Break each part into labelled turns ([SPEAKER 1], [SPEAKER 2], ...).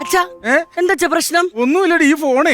[SPEAKER 1] അച്ഛാ എന്താ പ്രശ്നം?
[SPEAKER 2] ഒന്നുമില്ലടി ഈ ഫോണേ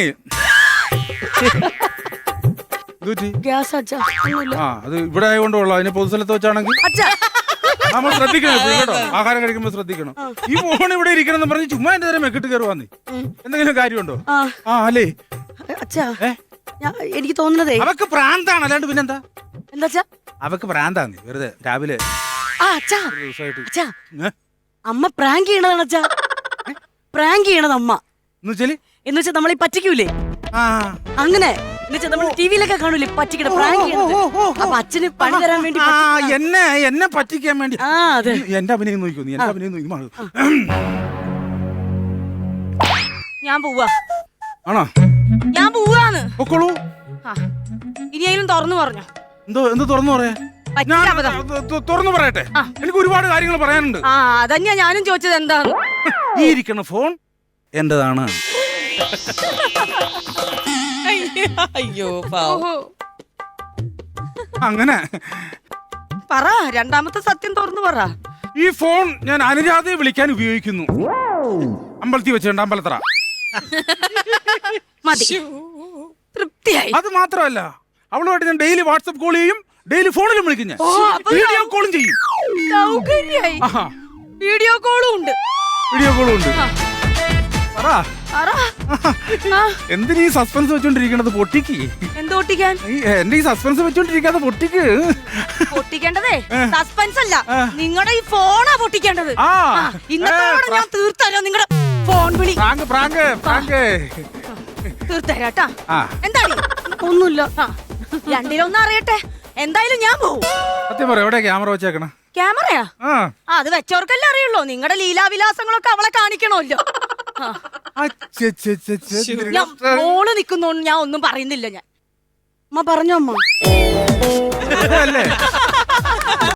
[SPEAKER 1] ഗ്യാസ് അച്ഛാ.
[SPEAKER 2] ആ അത് ഇവിടെ ആയതുകൊണ്ടുള്ള അതിന് പൊതുസ്ഥലത്ത് വെച്ചാണെങ്കിൽ
[SPEAKER 1] അച്ഛാ
[SPEAKER 2] നമ്മൾ ശ്രദ്ധിക്കണം കേട്ടോ. ആഹാരം കഴിക്കുമ്പോൾ ശ്രദ്ധിക്കണം. ഈ ഫോൺ ഇവിടെ ഇരിക്കണം പറഞ്ഞ് ചുമ്മാ എന്റെ നേരം മെക്കിട്ട് കയറുവാന്നേ. എന്തെങ്കിലും കാര്യമുണ്ടോ? ആ അല്ലേ
[SPEAKER 1] അച്ഛാ എനിക്ക് തോന്നുന്നതേ
[SPEAKER 2] അവക്ക് പ്രാന്താണ്, അല്ലാണ്ട് പിന്നെന്താ?
[SPEAKER 1] എന്താ
[SPEAKER 2] അവക്ക് പ്രാന്താന്ന് വെറുതെ രാവിലെ
[SPEAKER 1] അച്ഛാ അമ്മ പ്രാങ്ക് ചെയ്യണതാണ് അച്ഛാ. പ്രാങ്ക് ചെയ്യണത് അമ്മ എന്ന് വെച്ചാ നമ്മളീ പറ്റിക്കൂലേ അങ്ങനെ നമ്മൾ ടിവിയിലൊക്കെ കാണൂലേ പറ്റിക്കണ പ്രാങ്ക് ചെയ്യണത്. അപ്പൊ അച്ഛന് പണി തരാൻ വേണ്ടി
[SPEAKER 2] എന്നെ പറ്റിക്കാൻ വേണ്ടി എന്റെ അഭിനയം നോക്കൂ. നീ എന്റെ അഭിനയം നോക്കി.
[SPEAKER 1] ഞാൻ പോവാ.
[SPEAKER 2] ആണോ?
[SPEAKER 1] ഞാൻ പോവാന്ന്.
[SPEAKER 2] പൊക്കോളൂ.
[SPEAKER 1] ഇനിയെങ്കിലും തുറന്നു പറഞ്ഞോ.
[SPEAKER 2] എന്ത് തുറന്നു പറയാ? തുറന്നു പറയട്ടെ, എനിക്ക് ഒരുപാട് കാര്യങ്ങൾ പറയാനുണ്ട്.
[SPEAKER 1] അതന്നെയാ ഞാനും ചോദിച്ചത്. എന്താണ്
[SPEAKER 2] ഈ ഇരിക്കണ ഫോൺ എന്റേതാണ്.
[SPEAKER 1] അയ്യോ
[SPEAKER 2] അങ്ങനെ
[SPEAKER 1] പറ, രണ്ടാമത്തെ സത്യം തുറന്നു പറ.
[SPEAKER 2] ഈ ഫോൺ ഞാൻ അനുരാധയെ വിളിക്കാൻ ഉപയോഗിക്കുന്നു. അമ്പലത്തിൽ വെച്ചിട്ടുണ്ട്, അമ്പലത്തറ.
[SPEAKER 1] മതി, തൃപ്തിയായി.
[SPEAKER 2] അത് മാത്രമല്ല, അവളുമായിട്ട് ഞാൻ ഡെയിലി വാട്സപ്പ് കോൾ ചെയ്യും, ഡെയിലി ഫോണിലും വിളിക്കും, ഞാൻ വീഡിയോ കോളും ചെയ്യും.
[SPEAKER 1] വീഡിയോ കോളും ഉണ്ട്.
[SPEAKER 2] എന്തിനീ സസ്പെൻസ് വെച്ചോണ്ടിരിക്കണത്? പൊട്ടിക്ക്.
[SPEAKER 1] എന്തൊട്ടിക്കാൻ?
[SPEAKER 2] എന്റെ ഈ സസ്പെൻസ് വെച്ചോണ്ടിരിക്കാതെ പൊട്ടിക്ക്.
[SPEAKER 1] പൊട്ടിക്കേണ്ടതേ സസ്പെൻസ് അല്ല, നിങ്ങളുടെ ഈ ഫോണാ പൊട്ടിക്കേണ്ടത്. ഇന്നത്തോടെ ഞാൻ തീർത്തല്ലോ നിങ്ങളുടെ ഫോൺ വിളി. തീർത്തരാട്ടാ. എന്താണ്? ഒന്നുമില്ല. രണ്ടിലൊന്നും അറിയട്ടെ. എന്തായാലും ഞാൻ പോവും.
[SPEAKER 2] സത്യം പറ, എവിടെ ക്യാമറ വെച്ചേക്കണ?
[SPEAKER 1] ക്യാമറയാ? അത് വെച്ചവർക്കല്ലേ അറിയുള്ളൂ. നിങ്ങളുടെ ലീലാവിലാസങ്ങളൊക്കെ അവളെ കാണിക്കണമല്ലോ. മോള് നിക്കുന്നോണ്ട് ഞാൻ ഒന്നും പറയുന്നില്ല. ഞാൻ അമ്മ പറഞ്ഞോ അമ്മ.